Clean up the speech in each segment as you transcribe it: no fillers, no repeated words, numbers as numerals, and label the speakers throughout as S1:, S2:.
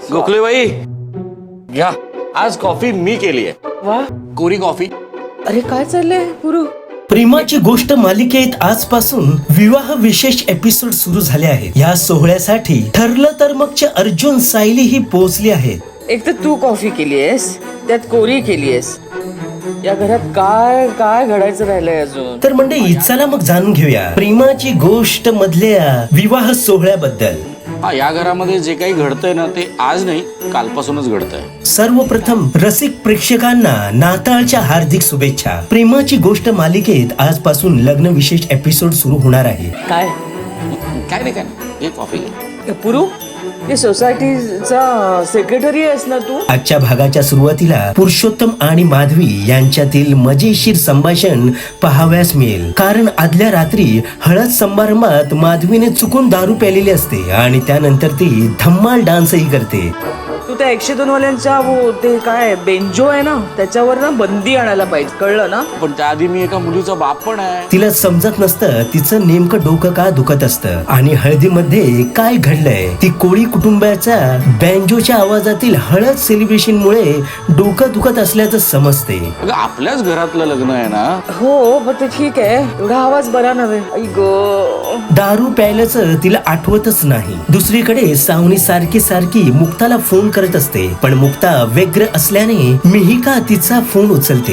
S1: गोखलेबाई घ्या, आज कॉफी मी केली आहे.
S2: वा,
S1: कोरी कॉफी.
S2: अरे काय चाललंय पुरू?
S3: प्रेमाची गोष्ट मालिकेत आजपासून विवाह विशेष एपिसोड सुरू झाले आहेत. या सोहळ्यासाठी ठरलं तर मगचे अर्जुन सायली ही पोहोचली आहेत.
S2: एक तर तू कॉफी केलीयस, त्यात कोरी केलीयस. या घरात काय काय घडायचं राहिलंय अजून?
S3: तर मंडळी चला मग जाणून घेऊया प्रेमाची गोष्ट मधल्या विवाह सोहळ्याबद्दल.
S1: हा, या घरामध्ये जे काही घडतंय ना ते आज नाही कालपासूनच घडतंय.
S3: सर्वप्रथम रसिक प्रेक्षकांना नाताळच्या हार्दिक शुभेच्छा. प्रेमाची गोष्ट मालिकेत आजपासून लग्न विशेष एपिसोड सुरू होणार आहे.
S2: काय
S1: काय नाही हे कॉफी घे.
S2: पुरू, हे सोसायटीचा सेक्रेटरी आहेस ना तू?
S3: आजच्या भागाच्या सुरुवातीला पुरुषोत्तम आणि माधवी यांच्यातील मजेशीर संभाषण पाहावयास मिळेल. कारण आदल्या रात्री हळद समारंभात माधवीने चुकून दारू प्यालेली असते आणि त्यानंतर ती धम्माल डान्सही करते.
S2: तू त्या 102 वाल्यांच्या ते काय बेंजो आहे ना, त्याच्यावर ना बंदी आणायला पाहिजे, कळलं ना?
S1: पण त्याआधी मी एका मुलीचा बाप पण आहे.
S3: तिला समजत नसतं तिचं नेमकं डोकं का दुखत असतं आणि हळदीमध्ये काय घडलंय. ती कोळी कुटुंबाच्या बँजोच्या आवाजातील हळद सेलिब्रेशन मुळे डोकं दुखत असल्याचं समजते.
S1: अगं आपल्याच घरातलं लग्न आहे ना.
S2: हो, पण ते ठीक आहे, एवढा आवाज बरा नव्हे. आई गो,
S3: दारू प्यायल्याचं तिला आठवतच नाही. दुसरीकडे सावनी सारखी सारखी मुक्ताला फोन करत असते, पण मुक्ता व्यग्र असल्याने मिहिका तिचा फोन उचलते.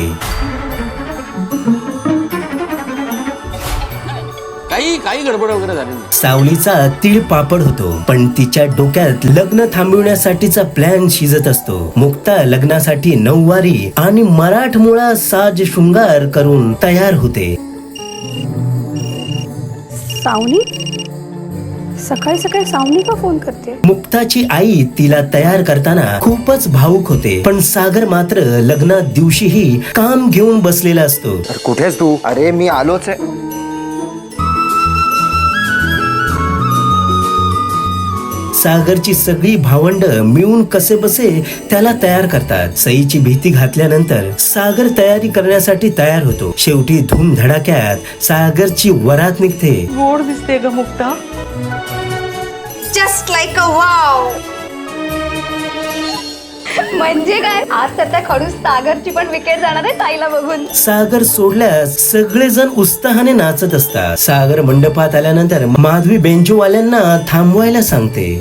S1: काही गडबड वगैरे झाली नाही.
S3: सावलीचा तीळ पापड होतो, पण तिच्या डोक्यात लग्न थांबविण्यासाठीचा प्लॅन शिजत असतो. मुक्ता लग्नासाठी नऊवारी आणि मराठमोळा साज शृंगार करून तयार होते.
S4: सावनी? सकाळी सकाळी सावनी का फोन करते?
S3: मुक्ताची आई तिला तयार करताना खूपच भावुक होते, पण सागर मात्र लग्नात दिवशीही काम घेऊन बसलेला असतो.
S5: कुठेस तू? अरे मी आलोच आहे.
S3: सागरची सगळी भावंड मिळून कसे बसे त्याला तयार करतात. सईची भीती घातल्यानंतर सागर तयारी करण्यासाठी तयार होतो. शेवटी धूम धडाक्यात सागरची वरात निघते.
S2: गोड दिसते ग Mukta.
S4: Just like a wow. म्हणजे काय, आज तर त्या खडूस सागरची पण विकेट जाणार आहे ताईला बघून.
S3: सागर सोडल्यास सगळेजण उत्साहाने नाचत असतात. सागर मंडपात आल्यानंतर माधवी बेंजोवाल्यांना थांबवायला सांगते.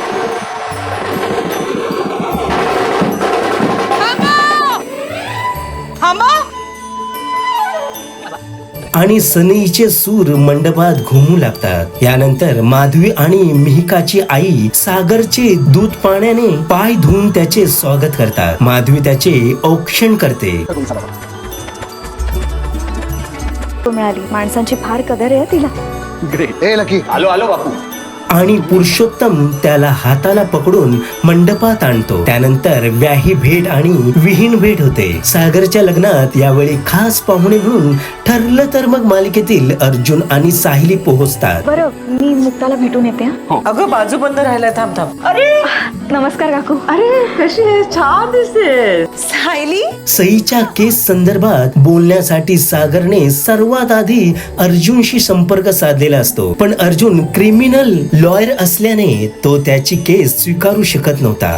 S3: आणि सनईचे सूर मंडपात घुमू लागतात. यानंतर माधवी आणि मिहिकाची आई सागरचे दूध पाण्याने पाय धुवून त्याचे स्वागत करतात. माधवी त्याचे औक्षण करते.
S4: मिळाली, माणसांची फार कदर आहे तिला.
S5: ग्रेट. ए लकी, आलो बापू.
S3: आणि पुरुषोत्तम त्याला हाताला पकडून मंडपात आणतो. त्यानंतर व्याही भेट आणि विहीन भेट होते. सागरच्या लग्नात यावेळी खास पाहुणे म्हणून ठरलं तर मग मालिकेतील अर्जुन आणि साहिली पोहोचतात.
S4: बरं, मी मुक्ताला भेटून येते.
S2: अगं बाजू बंद राहिलाय, थांब थांब. अरे
S4: नमस्कार काकू.
S2: अरे कशी आहे? छान दिसते.
S4: सायली?
S3: सईच्या केस संदर्भात बोलण्यासाठी सागरने सर्वात आधी अर्जुनशी संपर्क साधलेला असतो, पण अर्जुन क्रिमिनल लॉयर असल्याने तो त्याची केस स्वीकारू शकत नव्हता.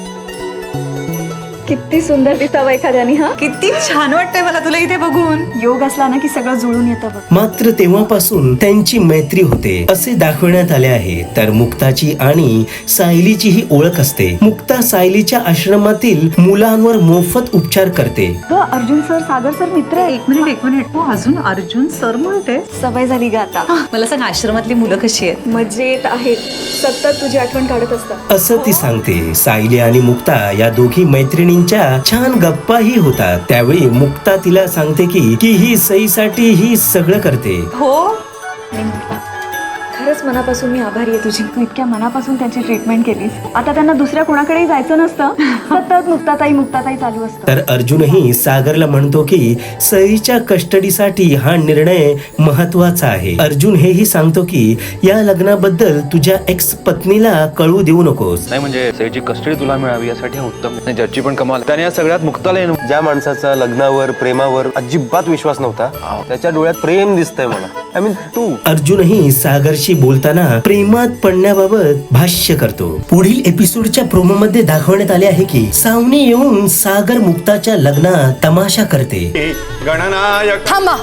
S4: किती सुंदर दिसावं एखाद्याने. हा,
S6: किती छान वाटतंय मला तुला इथे बघून.
S4: योग असला ना की सगळं जुळून येतं बघ.
S3: मात्र तेव्हापासून त्यांची मैत्री होते असे दाखवण्यात आले आहे. तर मुक्ताची आणि सायलीची ही ओळख असते. मुक्ता सायलीच्या आश्रमातील मुलांवर मोफत उपचार करते.
S4: अर्जुन सर सागर सर मित्र आहे.
S6: एक मिनिट, तू अजून अर्जुन सर म्हणते?
S4: सवय झाली ग आता.
S6: मला सांग, आश्रमातली मुलं कशी आहेत?
S4: मजेत आहेत, सतत तुझी आठवण काढत असतात
S3: असं ती सांगते. सायली आणि मुक्ता या दोघी मैत्रिणींच्या छान गप्पाही होतात. त्यावेळी मुक्ता तिला सांगते की ही सईसाठी ही सगळं करते.
S4: हो, खरंच मनापासून मी आभारी आहे तुझी. तू इतक्या मनापासून त्यांची ट्रीटमेंट केलीस. आता त्यांना दुसऱ्या कोणाकडेही जायचं नसतं, सतत मुक्ताताई चालू असतं.
S3: तर अर्जुनही सागरला म्हणतो की सईच्या कस्टडीसाठी हा निर्णय महत्वाचा आहे. अर्जुन हेही सांगतो की या लग्नाबद्दल तुझ्या एक्स पत्नीला कळू देऊ नकोस.
S7: नाही म्हणजे सईची कस्टडी तुला मिळावी यासाठी हा उत्तम. जजची पण कमाल. त्याने या सगळ्यात मुक्ताला
S5: ज्या माणसाचा लग्नावर प्रेमावर अजिबात विश्वास नव्हता, त्याच्या डोळ्यात प्रेम दिसतंय मला. आय मीन तू.
S3: अर्जुनही सागरशी बोलताना प्रेमात पडण्याबाबत भाष्य करतो. पुढील एपिसोडच्या प्रोमो मध्ये दाखवण्यात आले आहे की सावनी येऊन सागर मुक्ताच्या लग्नात तमाशा करते.
S8: थांबा,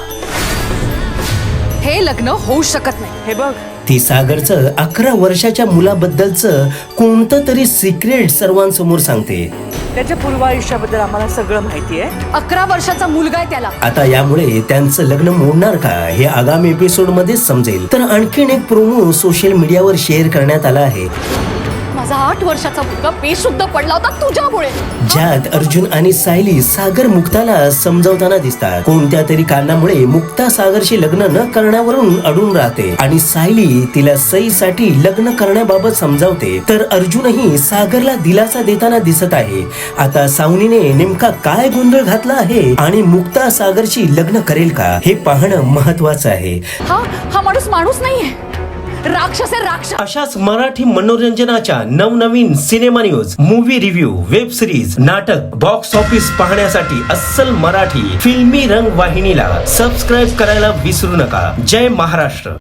S8: हे लग्न होऊ शकत नाही.
S2: हे बघ,
S3: ती सागरचं 11 वर्षाच्या मुलाबद्दलचं कोणतं तरी सिक्रेट सर्वांसमोर सांगते.
S2: त्याच्या पूर्व आयुष्याबद्दल आम्हाला सगळं माहिती आहे.
S8: 11 वर्षाचा मुलगा आहे त्याला.
S3: आता यामुळे त्यांचं लग्न मोडणार का हे आगामी एपिसोड मध्ये समजेल. तर आणखीन एक प्रोमो सोशल मीडियावर शेअर करण्यात आला आहे,
S8: माझा 8 वर्षाचा मुलगा बेशुद्ध पडला होता तुझ्यामुळे.
S3: ज्यात अर्जुन आणि सायली सागर मुक्ताला समजावताना दिसतात. कोणत्या तरी कारणामुळे मुक्ता सागरशी लग्न न करण्यावरून अडून राहते आणि सायली तिला सईसाठी लग्न करण्याबाबत समजावते. तर अर्जुनही सागरला दिलासा देताना दिसत आहे. आता सावनीने नेमका काय गोंधळ घातला आहे आणि मुक्ता सागरशी लग्न करेल का हे पाहणं महत्वाचं आहे.
S8: हा माणूस माणूस नाहीये, राक्षस आहे, राक्षस.
S3: अशाच मराठी मनोरंजनाच्या नवनवीन cinema news, movie review, web series, नाटक, बॉक्स ऑफिस पाहण्यासाठी अस्सल मराठी फिल्मी रंग वाहिनीला सबस्क्राईब करायला विसरू नका. जय महाराष्ट्र.